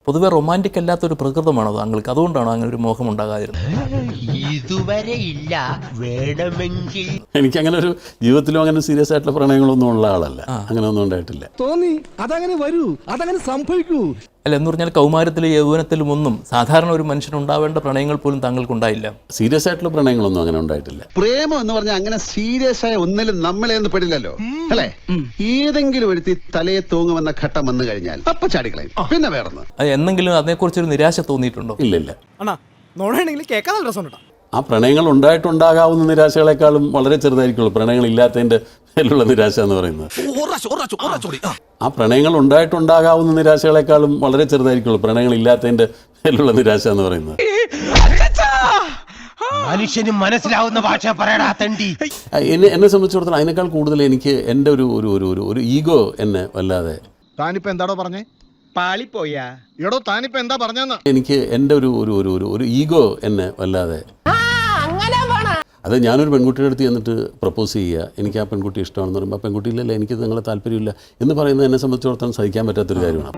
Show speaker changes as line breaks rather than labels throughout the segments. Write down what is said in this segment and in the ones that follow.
പൊതുവെ റൊമാൻറ്റിക് അല്ലാത്തൊരു പ്രകൃതമാണോ താങ്കൾക്ക്? അതുകൊണ്ടാണോ അങ്ങനെ ഒരു മോഹം ഉണ്ടാകാതിരുന്നത്?
ഇതുവരെ ഇല്ല, വേണമെങ്കിൽ.
എനിക്ക് അങ്ങനെ ഒരു ജീവിതത്തിലും അങ്ങനെ സീരിയസ് ആയിട്ടുള്ള പ്രണയങ്ങളൊന്നും ഉള്ള ആളല്ല. അങ്ങനെ ഒന്നും ഉണ്ടായിട്ടില്ല.
തോന്നി അതങ്ങനെ വരൂ, അതങ്ങനെ സംഭവിക്കൂ.
അല്ല, എന്ന് പറഞ്ഞാൽ കൗമാരത്തിലും യൗവനത്തിലും ഒന്നും സാധാരണ ഒരു മനുഷ്യനുണ്ടാവേണ്ട പ്രണയങ്ങൾ പോലും താങ്കൾക്കുണ്ടായില്ല.
സീരിയസ് ആയിട്ടുള്ള പ്രണയങ്ങളൊന്നും അങ്ങനെ ഉണ്ടായിട്ടില്ല.
പ്രേമം എന്ന് പറഞ്ഞാൽ അങ്ങനെ സീരിയസ് ആയ ഒന്നിലും നമ്മളെ ഒന്നും പെടില്ലല്ലോ അല്ലേ? ഏതെങ്കിലും ഒരു തലയെ തൂങ്ങുമെന്ന ഘട്ടം വന്നു കഴിഞ്ഞാൽ അപ്പൊ ചാടിക്കളയും. പിന്നെ വേറൊന്ന്
അത് എന്നെങ്കിലും അതിനെക്കുറിച്ചൊരു നിരാശ തോന്നിയിട്ടുണ്ടോ?
ഇല്ലില്ല.
അണ്ണാ നോടാണെങ്കിൽ കേൾക്കാൻ നല്ല രസമുണ്ട്.
ആ പ്രണയങ്ങൾ ഉണ്ടായിട്ടുണ്ടാകാവുന്ന നിരാശകളെക്കാളും വളരെ ചെറുതായിരിക്കുള്ളൂ പ്രണയങ്ങൾ ഇല്ലാത്തതിൻ്റെ മേലുള്ള നിരാശ എന്ന് പറയുന്നത്. ആ പ്രണയങ്ങൾ ഉണ്ടായിട്ടുണ്ടാകാവുന്ന നിരാശകളെക്കാളും വളരെ ചെറുതായിരിക്കുള്ളൂ പ്രണയങ്ങൾ ഇല്ലാത്തതിൻ്റെ മേലുള്ള നിരാശ എന്ന് പറയുന്നത്.
മനുഷ്യന് മനസ്സിലാവുന്ന ഭാഷ പറയടാ തണ്ടി.
എന്നെ സംബന്ധിച്ചിടത്തോളം അതിനേക്കാൾ കൂടുതൽ എനിക്ക് എൻ്റെ ഒരു ഈഗോ എന്നെ വല്ലാതെ.
താനിപ്പോ എന്താടോ പറഞ്ഞേ?
പാളിപ്പോയാ
എടോ താനിപ്പോ എന്താ പറഞ്ഞെന്ന്?
എനിക്ക് എൻ്റെ ഒരു ഈഗോ എന്നെ വല്ലാതെ. അത് ഞാനൊരു പെൺകുട്ടിയുടെ അടുത്ത് ചെന്നിട്ട് പ്രപ്പോസ് ചെയ്യുക, എനിക്ക് ആ പെൺകുട്ടി ഇഷ്ടമാണെന്ന് പറയുമ്പോൾ ആ പെൺകുട്ടി ഇല്ലല്ല എനിക്ക് നിങ്ങളെ താല്പര്യമില്ല എന്ന് പറയുന്നത് എന്നെ സംബന്ധിച്ചിടത്തോളം സഹിക്കാൻ പറ്റാത്തൊരു കാര്യമാണ്.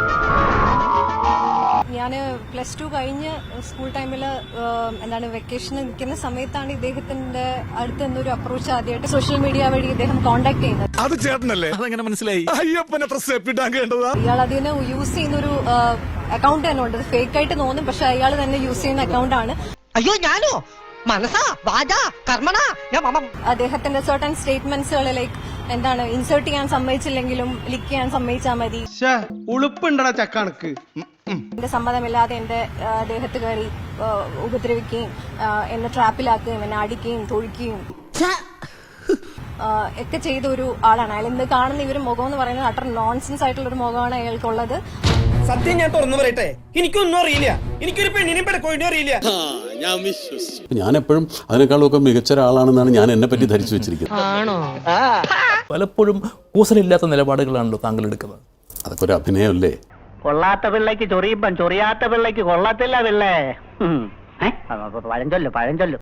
ഞാൻ +2 കഴിഞ്ഞ് സ്കൂൾ ടൈമിൽ വെക്കേഷന് നിൽക്കുന്ന സമയത്താണ് ഇദ്ദേഹത്തിന്റെ അടുത്ത് നിന്നൊരു അപ്രോച്ച് ആദ്യമായിട്ട് സോഷ്യൽ മീഡിയ വഴി ഇദ്ദേഹം കോൺടാക്ട് ചെയ്യുന്നത്.
അത് ചേട്ടനല്ലേ? അതെങ്ങനെ മനസ്സിലായി? അയ്യപ്പനെ പ്രസവിപ്പിട്ടാൻ കേട്ടതാ.
ഇയാൾ അതിന് യൂസ് ചെയ്യുന്നൊരു അക്കൗണ്ട് തന്നെ ഉണ്ട്. ഫേക്ക് ആയിട്ട് തോന്നും, പക്ഷെ അയാൾ തന്നെ യൂസ് ചെയ്യുന്ന അക്കൗണ്ട് ആണ്.
അയ്യോ ഞാനോ? മനസ്സാ വാചാ കർമ്മണ.
അദ്ദേഹത്തിന്റെ സർട്ടൻ സ്റ്റേറ്റ്മെന്റ്സുകൾ ഇൻസേർട്ട് ചെയ്യാൻ സമ്മതിച്ചില്ലെങ്കിലും ലിക്ക് ചെയ്യാൻ സമ്മതിച്ചാൽ മതി.
ഉളുപ്പുണ്ടടാ ചക്കണക്ക്.
എന്റെ സമ്മതമില്ലാതെ എന്റെ ദേഹത്ത് കയറി ഉപദ്രവിക്കുകയും എന്നെ ട്രാപ്പിലാക്കുകയും എന്നെ അടിക്കുകയും തൊഴിക്കുകയും ഒക്കെ ചെയ്ത ഒരു ആളാണ് അയാൾ. ഇന്ന് കാണുന്ന ഇവര് മുഖം എന്ന് പറയുന്നത് അട്ടർ നോൺസെൻസ് ആയിട്ടുള്ള ഒരു മുഖമാണ് അയാൾക്കുള്ളത്.
സത്യം ഞാൻ തുറന്നു പറയട്ടെ, എനിക്കൊന്നും അറിയില്ല. എനിക്കൊരു പെണ്ണിനെയും പെടക്കോഴിനെയും അറിയില്ല.
ഞാൻ എപ്പോഴും അതിനേക്കാളൊക്കെ മികച്ച ഒരാളാണെന്നാണ് ഞാൻ എന്നെ പറ്റി ധരിച്ചു വെച്ചിരിക്കുന്നത്.
പലപ്പോഴും കൂസലില്ലാത്ത നിലപാടുകളാണല്ലോ താങ്കൾ എടുക്കുന്നത്.
അതൊക്കെ ഒരു അഭിനയമല്ലേ?
കൊള്ളാത്ത പിള്ളയ്ക്ക് ചൊറിയുമ്പം ചൊറിയാത്ത പിള്ളയ്ക്ക് കൊള്ളത്തില്ല പിള്ളേ. പഴഞ്ചൊല്ലു